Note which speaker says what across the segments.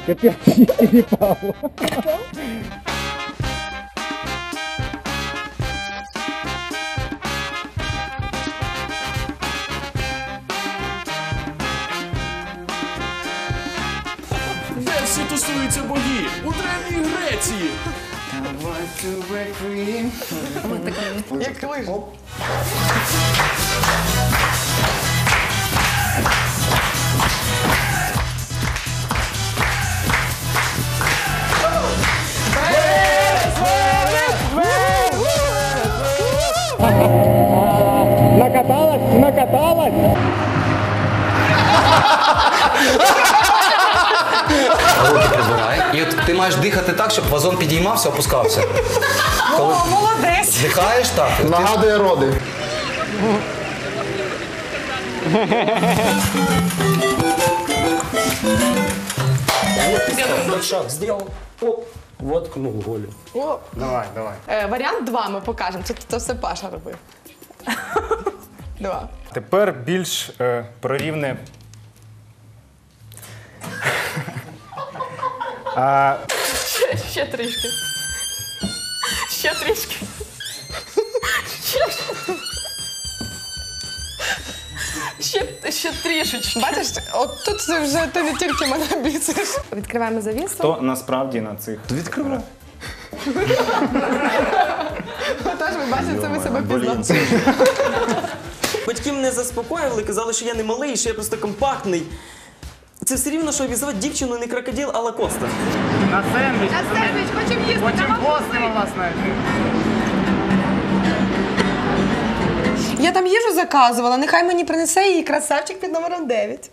Speaker 1: Опять перепал.
Speaker 2: Де всі тусуються боги? У Древній Греції!
Speaker 3: Як лижа.
Speaker 1: Накаталась? Накаталась?
Speaker 4: Руки прибирай. І от ти маєш дихати так, щоб вазон підіймався, опускався. Коли
Speaker 3: Молодець.
Speaker 4: вдихаєш так, ти
Speaker 5: Нагадує роди.
Speaker 2: Шаг зробив, оп, воткнув голю.
Speaker 1: Давай, давай.
Speaker 3: Варіант 2 ми покажемо. Це все Паша робив. 2.
Speaker 1: Тепер більш прорівне.
Speaker 3: Ще трішки. Ще трішки. Ще трішечки. Бачиш, от тут ти вже ти не тільки мене бісиш. Відкриваємо завісу.
Speaker 1: То насправді на цих.
Speaker 4: відкривай.
Speaker 3: Тож ви бачите, це ви себе пізнали.
Speaker 6: Батьки мене заспокоювали, казали, що я не малий, що я просто компактний. Це все рівно, що обізвати дівчину не крокодил, а Лакоста.
Speaker 1: На сендвіч.
Speaker 3: На сендвіч, хочемо їсти.
Speaker 1: Потім постимо вас навіть.
Speaker 3: Я там їжу заказувала, нехай мені принесе її красавчик під номером 9.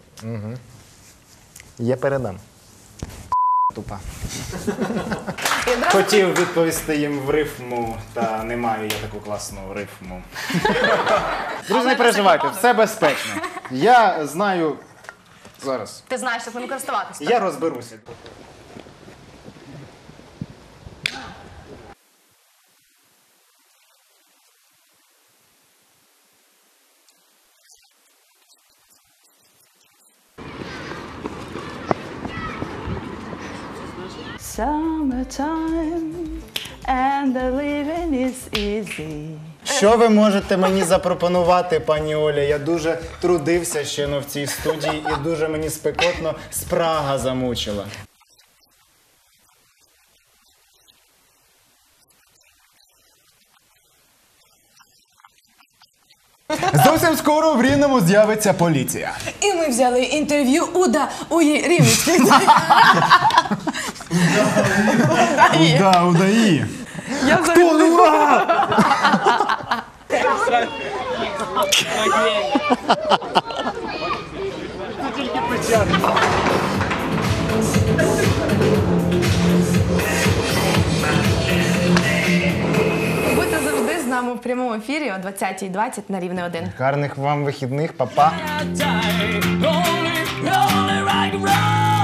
Speaker 5: Я передам. Тупа.
Speaker 1: Хотів відповісти їм в рифму, та не маю я таку класну рифму. Друзі, не переживайте, все безпечно. Я знаю... Зараз.
Speaker 3: Ти знаєш, як ним користуватися.
Speaker 1: Я розберуся.
Speaker 7: Summertime and the living is easy.
Speaker 1: Що ви можете мені запропонувати, пані Оля? Я дуже трудився ще в цій студії і дуже мені спекотно спрага замучила. Зовсім скоро в Рівному з'явиться поліція.
Speaker 3: І ми взяли інтерв'ю у Рівненській.
Speaker 1: Удаї.
Speaker 3: Я взагалі... Будьте завжди з нами в прямому ефірі о 20:20 на Рівне 1.
Speaker 1: Гарних вам вихідних, па-па.
Speaker 2: Rolling, rolling like a rock.